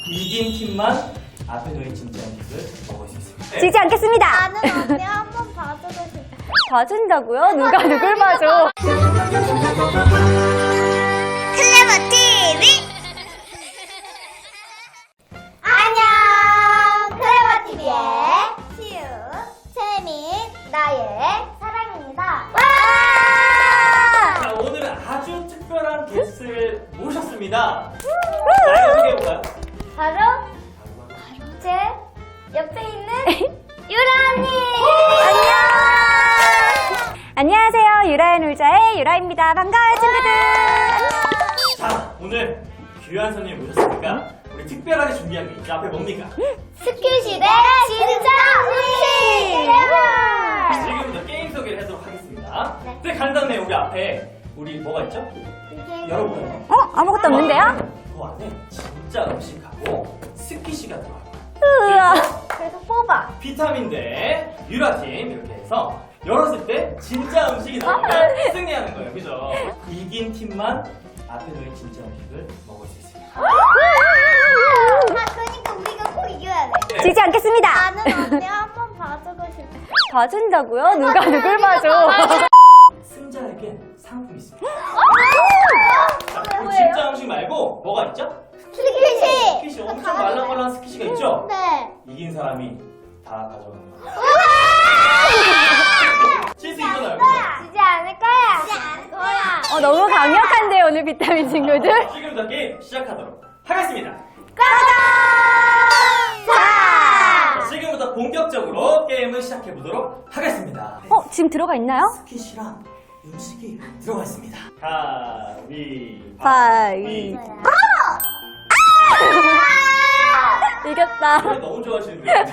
이긴 팀만 앞에 놓인 진짜 음식을 먹을 수 있습니다. 지지 않겠습니다. 나는 언니 한번 봐주고 싶어. 봐준다고요? 누가 누굴 봐줘? 클레버 TV. 안녕. 클레버 TV의 시우, 채민, 나의 사랑입니다. 와! 자, 오늘은 아주 특별한 게스트를 모셨습니다. 자, 소개해볼까요? 바로 제 옆에 있는 유라 언니. 안녕하세요. 유라의 놀자의 유라입니다. 반가워요, 친구들. 자, 오늘 귀한 손님 모셨으니까 우리 특별하게 준비한 게 있죠. 앞에 뭡니까? 스킬시대 진짜 음식. 지금부터 게임 소개를 해도록 하겠습니다. 네. 근데 간 다음에 여기 앞에 우리 뭐가 있죠? 열어보세요. 아무것도 없는데요? 그 안에 진짜 음식하고 스키시가 들어가요. 우와. 그래서 뽑아. 비타민 대 유라팀 이렇게 해서 열었을 때 진짜 음식이 나오면 승리하는 거예요. 그죠? 이긴 팀만 앞에 놓인 진짜 음식을 먹을 수 있습니다. 그러니까 우리가 꼭 이겨야 돼. 네. 지지 않겠습니다. 나는 언니 한번 봐주고 싶어. 봐준다고요? 누가 누굴 봐줘? 승자에게 상품이 있습니다. 자, 그 뭐예요? 진짜 음식 말고 뭐가 있죠? 스킬시. 스키시 엄청 말랑말랑한 스키시가 있죠? 네. 이긴 사람이 다 가져가는 거예요. 실수 이거나요, 그죠? 지지 않을 거야. 지지 않을 거야. 너무 강력한데요, 오늘 비타민 친구들? 지금부터 게임 시작하도록 하겠습니다. 자. 자, 지금부터 본격적으로 게임을 시작해보도록 하겠습니다. 지금 들어가 있나요? 스키시랑 음식이 들어가 있습니다. 가위, 가위. 이겼다. 노래 너무 좋아하시는데요.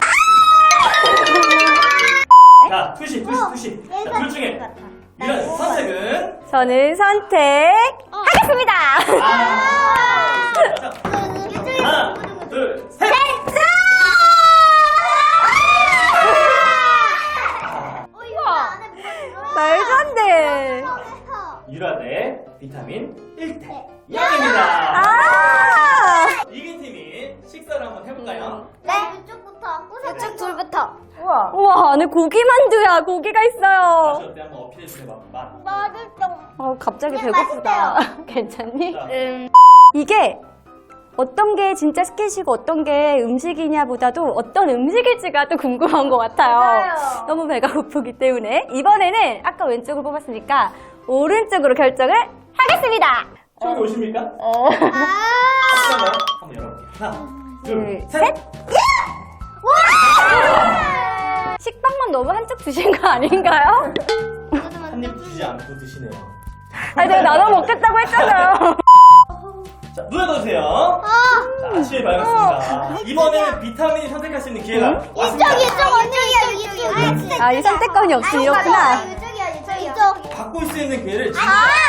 자, 투시. 자, 둘 중에 유라 선택은 저는 선택하겠습니다. 하나, 둘, 셋. 말도 안 돼. 유라 대 비타민 1대 0입니다. 아! 이긴 팀이 식사를 한번 해볼까요? 네. 이쪽부터. 이쪽 둘부터. 우와, 안에 고기 만두야. 고기가 있어요. 다시 어때? 한번 어필해주세요. 맛. 맛있어. 갑자기 네, 배고프다. 괜찮니? 자, 이게 어떤 게 진짜 스킨시고 어떤 게 음식이냐 보다도 어떤 음식일지가 또 궁금한 것 같아요. 맞아요. 너무 배가 고프기 때문에 이번에는 아까 왼쪽을 뽑았으니까 오른쪽으로 결정을 하겠습니다. 처음 오십니까? 잠깐만. 한번 열어볼게요. 하나, 둘, 셋. 식빵만 너무 한쪽 드신 거 아닌가요? 한 입 주지 않고 드시네요. 아니, 내가 나눠 먹겠다고 했잖아요. 자, 눈에 넣으세요. 자, 아침이 밝았습니다. 이번에는 비타민이 선택할 수 있는 기회가 왔습니다. 이쪽이야. 아, 이 선택권이 없이 이렇구나. 이쪽이야. 바꿀 수 있는 기회를 이거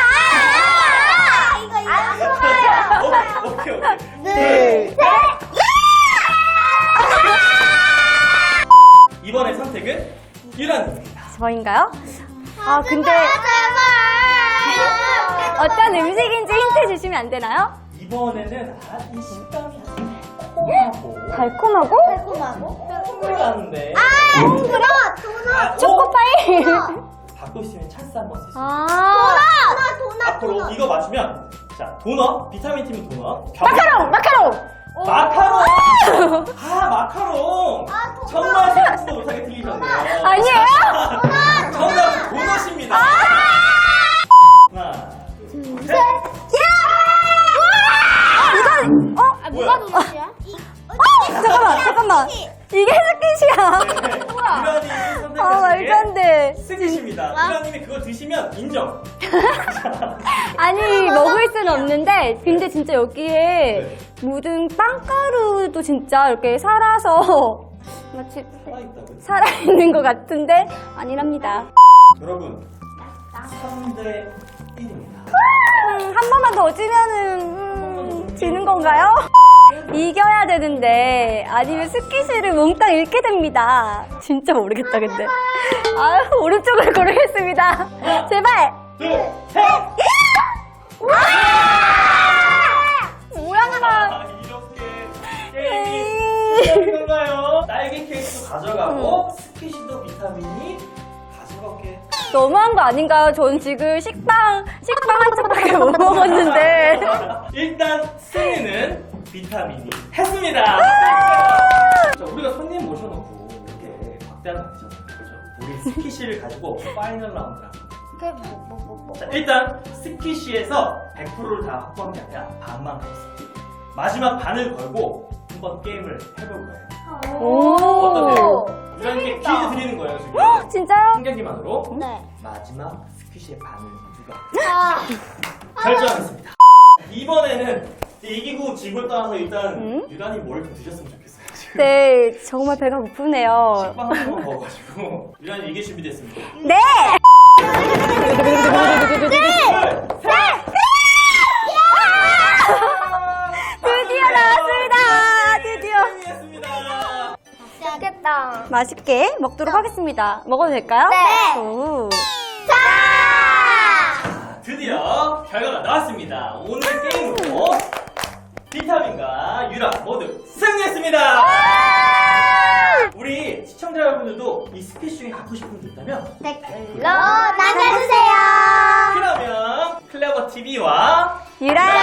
오케이. 둘, 셋. 이번의 선택은 유라입니다. 저인가요? 아, 근데 어떤 음식인지 힌트 주시면 안 되나요? 이번에는 이 식감이 달콤하고 달콤하고? 콧물 나는데 도넛. 초코파이? 바꿀 수 있는 찬스 한번 쓸 수 있어요. 아, 앞으로 이거 맞추면 자, 도넛, 비타민 팀은 도넛. 마카롱! 마카롱! 마카롱! 정말 생각지도 못하게 틀리셨네요. 아니에요? 정답은 도넛입니다. 하나, 둘, 셋. 뭐야? 도넛이야? 잠깐만. 이게 스킨시야. 유라님이 아, 말도 안 선택하신 돼. 게 스키십니다. 유라님이 그거 드시면 인정. 아니, 먹을 수는 없는데, 근데 진짜 여기에 묻은 빵가루도 진짜 이렇게 살아서 마치 살아있다고요? 살아있는 것 같은데, 아니랍니다. 여러분, 3대 1입니다. 한 번만 더 지면은, 지는 건가요? 이겨야 되는데, 아니면 스키시를 몽땅 잃게 됩니다. 진짜 모르겠다, 근데. 오른쪽을 고르겠습니다. 제발! 둘, 셋! 뭐야, 이렇게 너무한 거 아닌가요? 전 지금 식빵 한 짝밖에 못 먹었는데. 일단 승리는 비타민이 했습니다. 자, 우리가 손님 모셔놓고 이렇게 박대하는 거 아니잖아요. 그죠? 우리 스키시를 가지고 파이널 라운드를 합니다. 자, 일단 스키시에서 100%를 다 확보한 게 아니라 반만 걸었습니다. 마지막 반을 걸고 한번 게임을 해볼 거예요. 오. 어떠세요? 유라님께 퀴즈 드리는 거예요, 지금. 진짜요? 한 경기만으로. 네. 마지막 스퀴시의 반을 누가 아. 결정하겠습니다. 이번에는 이기고 지고 떠나서 일단 음? 유란이 뭘 좀 드셨으면 좋겠어요. 지금. 네, 정말 배가 고프네요. 식빵 한 번 먹어가지고 유란이 이길 준비됐습니다. 네! 드디어 나왔습니다. 드디어. 승리했습니다. 맛있겠다. 맛있게 먹도록 하겠습니다. 먹어도 될까요? 네. 오. 자! 드디어 결과가 나왔습니다. 오늘 게임으로 비타민과 유라 모두 승리했습니다. 우리 시청자 여러분들도 이 스피치 중에 갖고 싶은 게 있다면 댓글로 남겨주세요. 그러면 클레버 TV와 유라